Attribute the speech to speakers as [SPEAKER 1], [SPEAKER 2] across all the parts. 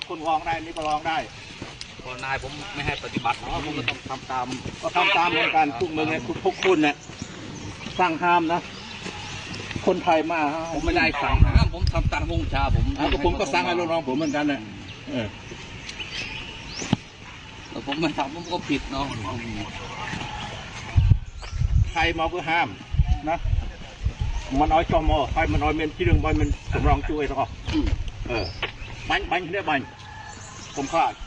[SPEAKER 1] คุณลองได้นี่ก็ลองได้
[SPEAKER 2] พอนายผมไม่ให้ปฏิบัติผมก็ต้องทำตาม
[SPEAKER 1] เหมือนกันทุกเมืองเนี่ยทุกคุณเนี่ยสร้างห้ามนะคนไทยมา
[SPEAKER 2] ผมไม่ได้สั่งห้ามผมทำตามวงชา
[SPEAKER 1] ผมก็สั่งให้ลูกน้องผมเหมือนกันเนี่ย
[SPEAKER 2] แต่ผมไม่ทำผมก็ผิดเนาะ
[SPEAKER 1] ใครมาก็ห้ามนะมันเอาจอมอใครมันเอาเมนที่เรื่องมันสำรองช่วยต่อบังเนี่ยบังผมคาด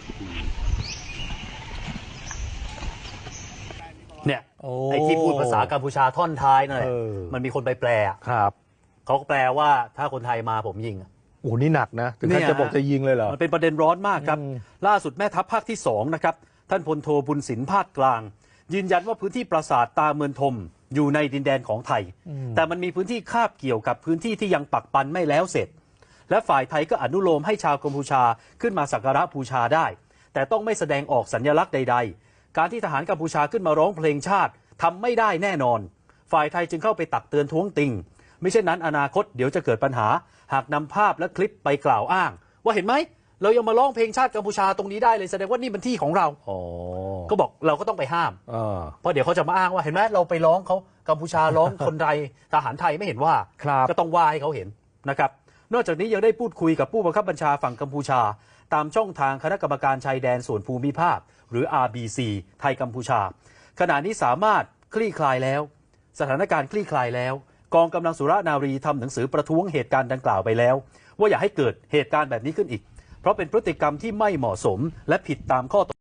[SPEAKER 3] เนี่ยไอ้ที่พูดภาษากัมพูชาท่อนท้ายนั่นแหละมันมีคนไปแปล
[SPEAKER 4] ครับ
[SPEAKER 3] เขาก็แปลว่าถ้าคนไทยมาผมยิง
[SPEAKER 4] โอ้นี่หนักนะถึงขั้นจะบอกจะยิงเลยเหรอ
[SPEAKER 3] มันเป็นประเด็นร้อนมากครับล่าสุดแม่ทัพภาคที่2นะครับท่านพลโทบุญสินภาคกลางยืนยันว่าพื้นที่ปราสาทตาเมืองทมอยู่ในดินแดนของไทยแต่มันมีพื้นที่คาบเกี่ยวกับพื้นที่ที่ยังปักปันไม่แล้วเสร็จและฝ่ายไทยก็อนุโลมให้ชาวกัมพูชาขึ้นมาสักการะบูชาได้แต่ต้องไม่แสดงออกสัญลักษณ์ใดๆการที่ทหารกัมพูชาขึ้นมาร้องเพลงชาติทำไม่ได้แน่นอนฝ่ายไทยจึงเข้าไปตักเตือนท้วงติงไม่เช่นนั้นอนาคตเดี๋ยวจะเกิดปัญหาหากนำภาพและคลิปไปกล่าวอ้างว่าเห็นไหมเรายังมาร้องเพลงชาติกัมพูชาตรงนี้ได้เลยแสดงว่านี่เป็นที่ของเราก็บอกเราก็ต้องไปห้ามเพราะเดี๋ยวเขาจะมาอ้างว่าเห็นไหมเราไปร้องเขากัมพูชาร้องคนไทยทหารไทยไม่เห็นว่าก็ต้องว่าให้เขาเห็นนะครับนอกจากนี้ยังได้พูดคุยกับผู้บังคับบัญชาฝั่งกัมพูชาตามช่องทางคณะกรรมการชายแดนส่วนภูมิภาคหรือ RBC ไทยกัมพูชาขณะนี้สามารถคลี่คลายแล้วสถานการณ์คลี่คลายแล้วกองกำลังสุรนารีทำหนังสือประท้วงเหตุการณ์ดังกล่าวไปแล้วว่าอย่าให้เกิดเหตุการณ์แบบนี้ขึ้นอีกเพราะเป็นพฤติกรรมที่ไม่เหมาะสมและผิดตามข้อ